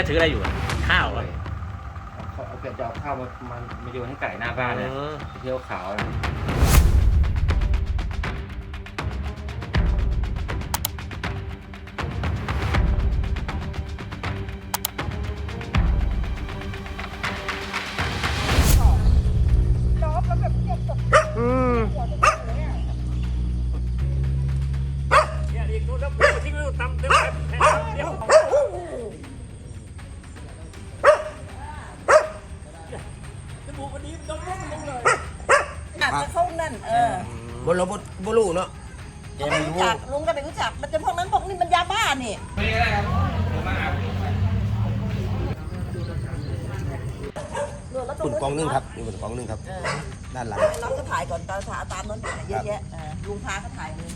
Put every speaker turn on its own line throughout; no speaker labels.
กถืออะไรอยู่ข้าวอ่ะ
เอาแกจะเอาข้าวมาโยนให้ไก่หน้าบ้านเนี่ยเที่ยวขาวนะ
เขานั่น
บนเราบลูเนาะ
เขาไม่รู้จักลุงก็ไม่รู้จักมันจะพวกนั้นพวกนี้มันยาบ้านี่
ปุ่นกองนึงครับนี่ปุ่นกองนึงครับด้านหลัง
เราก็ถ่ายก่อนตามนั้นเยอะแยะลุงพาก็ถ่ายเลย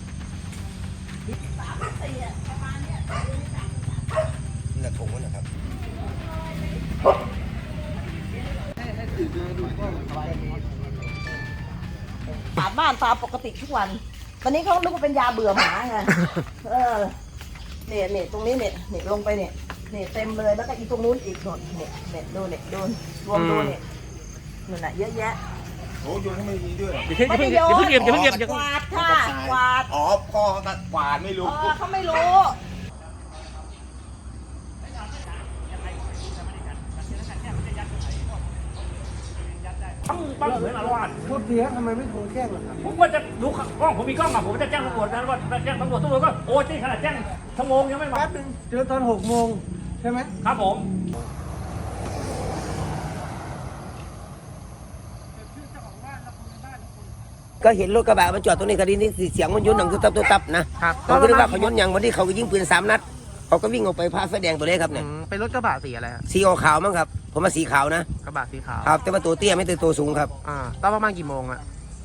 ประมาณนี้
นี่แหละถงนะครับ
ตามบ้านตามปกติทุกวันตอนนี้เขานึกว่าเป็นยาเบื่อหมาไงเนี่ยตรงนี้เนี่ยลงไปเนี่ยเต็มเลยแล้วก็อีตรงนู้นอีกหนเนี่ยดูเนี่ยดูรวมดูเนี่ยนู่นน่ะเยอะแยะ
โอ้ยนให้มันดีด้วย
ไม่ได้โยนกวาดค่ะกวาด
อ๋อพ่อกวาดไม่รู้
เขาไม่รู้
ปั้งเหมือนอารวาส
พูดดีครับทำไมไม่โทรแจ้งล่ะครับ
ผมว่าจะดูกล้องผมมีกล้องอ่ะผมจะแจ้งตำรวจนะว่าแจ้งตำรวจก็โอ้ยที่ขนาดแจ้งชั่วโมงยังไม่มา
แป๊บนึงเจอตอน6 โมงใช่ไหม
ครับผม
ก็เห็นรถกระบะมันจอดตรงนี้คดีนี้เสียงมันยุ่นหนังตุ๊บตับนะผมก็นึกว่าเขายุ่นอย่างวันที่เขาก็ยิงปืน3 นัดเขาก็วิ่งออกไปพาไฟแดงตัวเล็กครับเนี่ย
เป็นรถกระบะสีอะไร
สีขาวมั้งครับผมมาสีขาวนะ
กระบะสีขาว
ครับแต่ว่าตัวเตี้ยไม่ตัวสูงครับ
ตอนประมาณกี่โมงอะ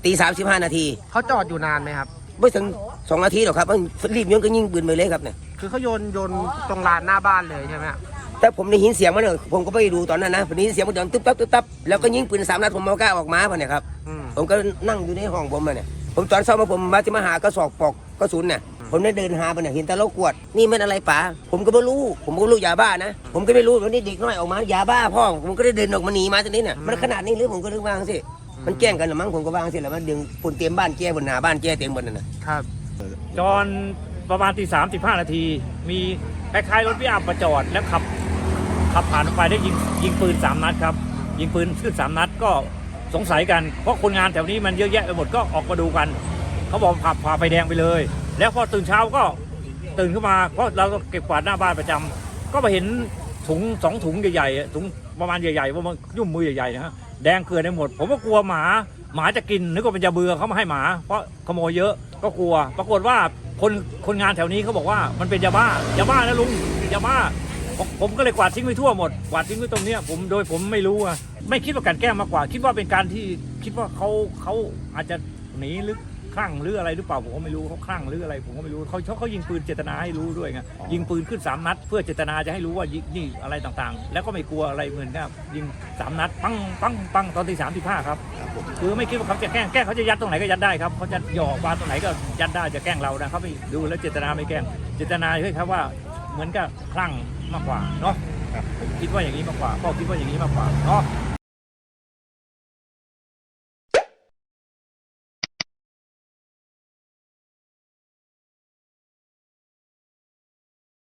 35 นาที
เขาจอดอยู่นานไหมครับ
ไม่ถึง2 นาทีหรอกครับรีบย้อนก็ยิงปืนไปเลยครับเนี่ย
คือเขาโยนตรงลานหน้าบ้านเลยใช่ไหม
แต่ผมได้ยินเสียงมันเนี่ยผมก็ไปดูตอนนั้นนะผมได้ยินเสียงมันเดินตุ๊บตับแล้วก็ยิงปืน3 นัดผมเอากล้าออกมาเนี่ยครับผมก็นั่งอยู่ในห้องผมเนี่ยผมตอนเช้ามาผมมาที่มหากระสอบปอกกระสุนเนี่ยผมได้เดินหาไปเนี่ยเห็นแต่เรากวดนี่มันอะไรป๋าผมก็ไม่รู้ยาบ้านะผมก็ไม่รู้วันนี้เด็กน้อยออกมายาบ้าพ่อผมก็ได้เดินออกมาหนีมาตรงนี้เนี่ยมันขนาดนี้หรือผมก็นึกว่าสิมันแกล้งกันหรือมั้งผมก็ว่าสิแล้วมันดึงปุ่นเตรียมบ้านแก้บนหาบ้านแก้เต็มบนนั่นนะครับ
จอนประมาณ15 นาทีมีคล้ายๆรถพิอัพมาจอดแล้วขับผ่านไปได้ยิงปืน3 นัดครับยิงปืนขึ้น3 นัดก็สงสัยกันเพราะคนงานแถวนี้มันเยอะแยะไปหมดก็ออกมาดูกันเขาบอกขับผ่าไฟแดงไปเลยแล้วพอตื่นเช้าก็ตื่นขึ้นมาเพราะเราก็เก็บกวาดหน้าบ้านประจำก็มาเห็นถุง2 ถุงใหญ่ๆถุงประมาณใหญ่ๆว่ามันยุ่มมือใหญ่ๆนะฮะแดงเกลือได้หมดผมก็กลัวหมาจะกินนึกว่าเป็นยาเบื่อเขามาให้หมาเพราะขโมยเยอะก็กลัวปรากฏว่าคนงานแถวนี้เขาบอกว่ามันเป็นยาบ้นะลุงยาบ้าผมก็เลยกวาดทิ้งไปทั่วหมดกวาดทิ้งไว้ตรงนี้ผมไม่รู้อะไม่คิดว่าการแกล้งมากกว่าคิดว่าเป็นการที่คิดว่าเขาอาจจะหนีหรือคลั่งหรืออะไรหรือเปล่าผมก็ไม่รู้เขาคลั่งหรืออะไรผมก็ไม่รู้เขายิงปืนเจตนาให้รู้ด้วยไงยิงปืนขึ้น3 นัดเพื่อเจตนาจะให้รู้ว่านี่อะไรต่างๆแล้วก็ไม่กลัวอะไรเหมือนกับยิง3 นัดปังตอนที่35ครับคือไม่คิดว่าเขาจะแกล้งเขาจะยัดตรงไหนก็ยัดได้ครับเขาจะหยอกวางตรงไหนก็ยัดได้จะแกล้งเรานะเขาไม่ดูแล้วเจตนาไม่แกล้งเจตนาเฮ้ยครับว่าเหมือนกับคลั่งมากกว่าเนาะผมคิดว่าอย่างนี้มากกว่าพ่อคิดว่าอย่างนี้มากกว่าเนาะ